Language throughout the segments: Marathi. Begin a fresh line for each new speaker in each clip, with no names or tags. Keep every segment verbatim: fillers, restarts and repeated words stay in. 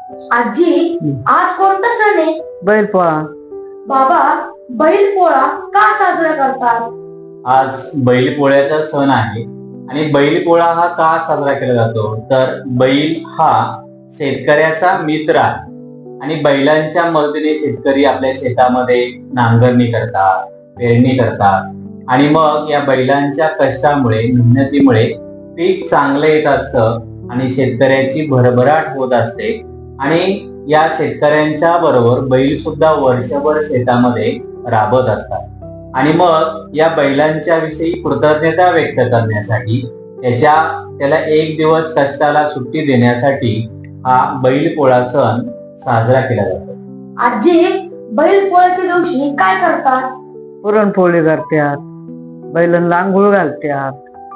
आजी, आज कोणता सण आहे?
बैलपोळा.
बाबा, बैलपोळा का साजरा करतात?
आज बैलपोळ्याचा सण आहे आणि बैलपोळा हा का साजरा केला जातो तर बैल हा शेतकऱ्याचा मित्र आहे आणि बैलांच्या मदतीने शेतकरी आपल्या शेतामध्ये नांगरणी करतात, पेरणी करतात आणि मग या बैलांच्या कष्टामुळे, मेहनतीमुळे पीक चांगलं येत असतं आणि शेतकऱ्याची भरभराट होत असते. आणि या शेतकऱ्यांच्या बरोबर बैल सुद्धा वर्षभर शेतामध्ये राबत असतात आणि मग या बैलांच्या विषयी कृतज्ञता व्यक्त करण्यासाठी त्याच्या त्याला एक दिवस कष्टाला सुट्टी देण्यासाठी हा बैलपोळा सण साजरा केला जातो.
आजी, बैलपोळ्याच्या दिवशी काय करतात?
पुरणपोळी करतात, बैलांना आंघोळ घालतात,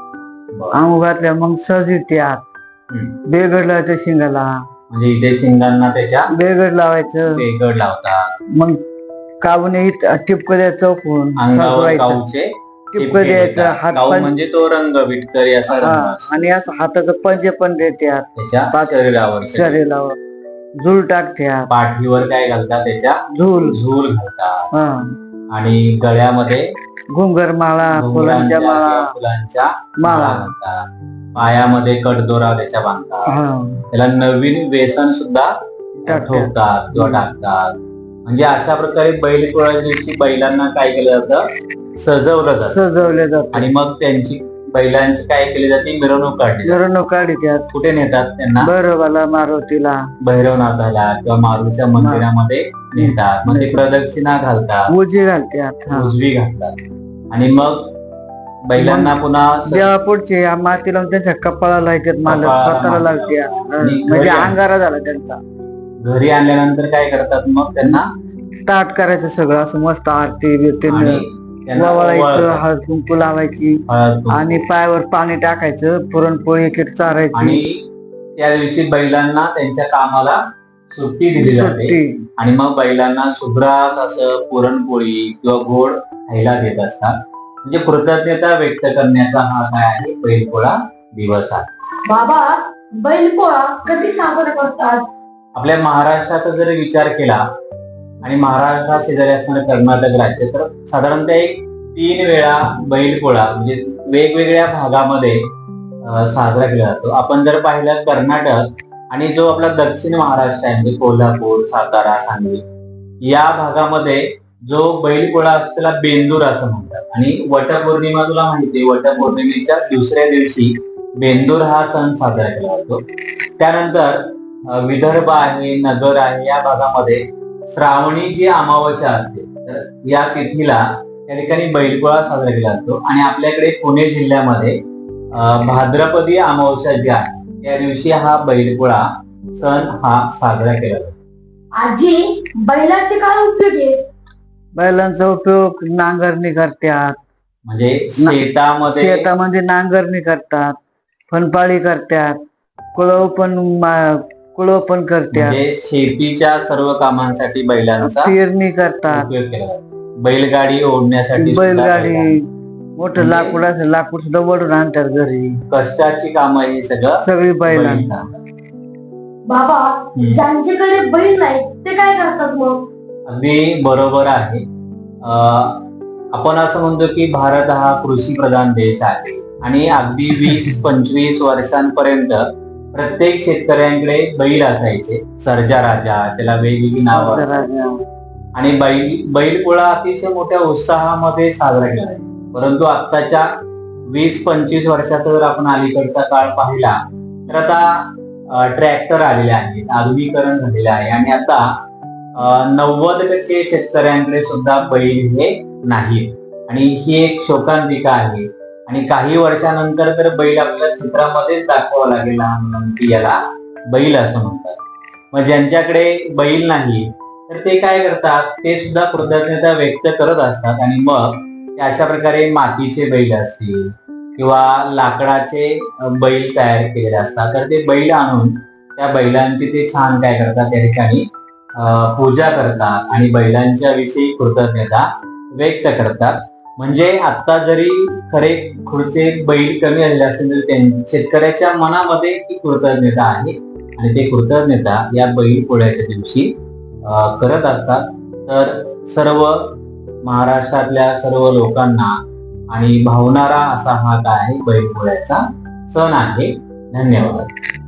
आंघोळ घातल्या मग सजवित्यात,
हम्म.
बेगड लावायचं शिंगाला,
म्हणजे इथे शिंगांना त्याच्या
बेगड लावायचं,
बेगड लावतात,
मग काबूने टिपक द्यायचं, चौकून
अंगावर
सजवायचं,
काऊचे
टिपक द्यायचं, हात
काऊ
पण
म्हणजे तो रंग विटकरी असा रंग
हा,
असतो
आणि असं हाताचं पंजे पण देतात
त्याच्या
पाच-
शरीरावर.
शरीरावर, झूल टाकत्यात,
पाठीवर काय घालतात त्याच्या
झूल,
झूल घालतात
हा,
आणि गळ्यामध्ये
घुंगर माळा, फुलांच्या
घुंगरांच्या
माळा,
किंवा फुलांच्या माळा
माळा,
घालतात. पायामध्ये कडदोरा त्याच्या बांधतात.
हा,
त्याला नवीन व्यसन सुद्धा
टाकतात.
ठोकतात किंवा टाकतात. म्हणजे अशा प्रकारे बैलपोळ्या दिवशी बैलांना काय केलं जातं, सजवलं जातं
सजवले जातात,
आणि मग त्यांची बैलांची काय केली जाते, मिरवणूक काढली जाते.
मिरवणूक काढतात,
कुठे नेतात त्यांना,
बरोबाला, मारुतीला,
भैरवनाथाला किंवा मारुतीच्या मंदिरामध्ये नेतात. मग ते प्रदक्षिणा घालतात,
उजी घालतात, हा,
उजवी घालतात आणि मग बैलांना पुन्हा स-
जेव्हा पुढचे या माती लावून त्यांच्या कपाळाला येतात, मालक
कपाळाला
स्वतःला
माती
लावते,
लावतात. आणि
म्हणजे
घरी आण-
अंगारा झाला त्यांचा.
घरी आणल्यानंतर काय करतात, मग त्यांना
ताट करायचं सगळं असं मस्त आरती बिरती
आणि त्यांना
वळायचं,
ओवाळतात.
हळद कुंकू लावायची
हळद कुंकू.
आणि पायावर पाणी टाकायचं, पुरणपोळी एक एक चारायची,
आणि त्या दिवशी बैलांना त्यांच्या कामाला सुट्टी दिली जाते
सुट्टी.
आणि मग बैलांना सुग्रास असं पुरणपोळी किंवा गोड खायला देत असतात. म्हणजे कृतज्ञता व्यक्त करण्याचा हा काय आहे, बैलपोळा दिवस आहे.
बाबा, बैलपोळा कधी साजरा करतात?
आपल्या महाराष्ट्रात जर विचार केला आणि महाराष्ट्रा शेजारी असणारं कर्नाटक राज्य तर साधारणतः एक तीन वेळा बैलपोळा म्हणजे वेगवेगळ्या भागामध्ये अं, साजरा केला जातो. आपण जर पाहिलं कर्नाटक आणि जो आपला दक्षिण महाराष्ट्र आहे म्हणजे कोल्हापूर, सातारा, सांगली या भागामध्ये जो बैलपोळा असतो त्याला बेंदूर असं म्हणतात. आणि वटपौर्णिमा तुला माहिती आहे, वटपौर्णिमेच्या दुसऱ्या दिवशी बेंदूर हा सण साजरा केला जातो. त्यानंतर अं, विदर्भ आहे, नगर आहे या भागामध्ये श्रावणी जी अमावस्या असते तर या तिथीला त्या ठिकाणी बैलपोळा साजरा केला जातो. आणि आपल्याकडे पुणे जिल्ह्यामध्ये अं, भाद्रपदी अमावस्या जी आहे त्या दिवशी हा बैलपोळा सण हा साजरा केला जातो.
आजी, बैलाचे काय उपयोग आहेत?
बैलांचा उपयोग नांगरणी करतात,
म्हणजे शेतामध्ये
शेतामध्ये नांगरणी करतात, फनपाळी करतात, कुळव पण मा- कुळव पण करतात,
म्हणजे शेतीच्या सर्व कामांसाठी बैलांचा
पेरणी करतात,
उपयोग केला जातो. बैलगाडी ओढण्यासाठी सुद्धा
बैलगाडी,
बैलांचा.
मोठं
म्हणजे-
लाकूड असेल लाकूड सुद्धा वडून आणतात घरी,
कष्टाची कामं ही सगळं
सगळी बैलांना.
बैलांना.
बाबा,
हम्म.
ज्यांच्याकडे बैल नाही ते काय करतात मग?
अगदी बरोबर आहे. अं, आपण असं म्हणतो की भारत हा कृषी प्रधान देश आहे आणि अगदी वीस पंचवीस वर्षांपर्यंत प्रत्येक शेतकऱ्यांकडे बैल असायचे. सर्जा राजा, त्याला वेगवेगळी नावं असायची. आणि बैल बैलपोळा अतिशय मोठ्या उत्साहामध्ये साजरा केला जायचा. परंतु आत्ताच्या वीस पंचवीस वर्षाचा जर आपण अलीकडचा काळ पाहिला तर आता ट्रॅक्टर आलेले आहेत, आधुनिकीकरण झालेलं आहे आणि आता नव्वद टक्के शेतकऱ्यांकडे सुद्धा बैल हे नाहीत आणि ही एक शोकांतिका आहे. आणि काही वर्षानंतर तर बैल आपल्या चित्रामध्येच दाखवावं लागेल लहान मुलांना की याला बैल असं म्हणतात. मग ज्यांच्याकडे बैल नाही तर ते काय करतात, ते सुद्धा कृतज्ञता व्यक्त करत असतात आणि मग ते अशा प्रकारे मातीचे बैल असतील किंवा लाकडाचे बैल तयार केलेले असतात तर ते बैल आणून त्या बैलांची ते छान काय करतात, त्या ठिकाणी पूजा करतात आणि बैलांच्या विषयी कृतज्ञता व्यक्त करतात. म्हणजे आता जरी खरे खुर्चे बैल कमी झालेले असतील तरी शेतकऱ्याच्या मनामध्ये ती कृतज्ञता आहे आणि ते कृतज्ञता या बैल पोळ्याच्या दिवशी अं, करत असतात. तर सर्व महाराष्ट्रातल्या सर्व लोकांना आणि भावणारा असा हा काय आहे बैल पोळ्याचा सण आहे. धन्यवाद.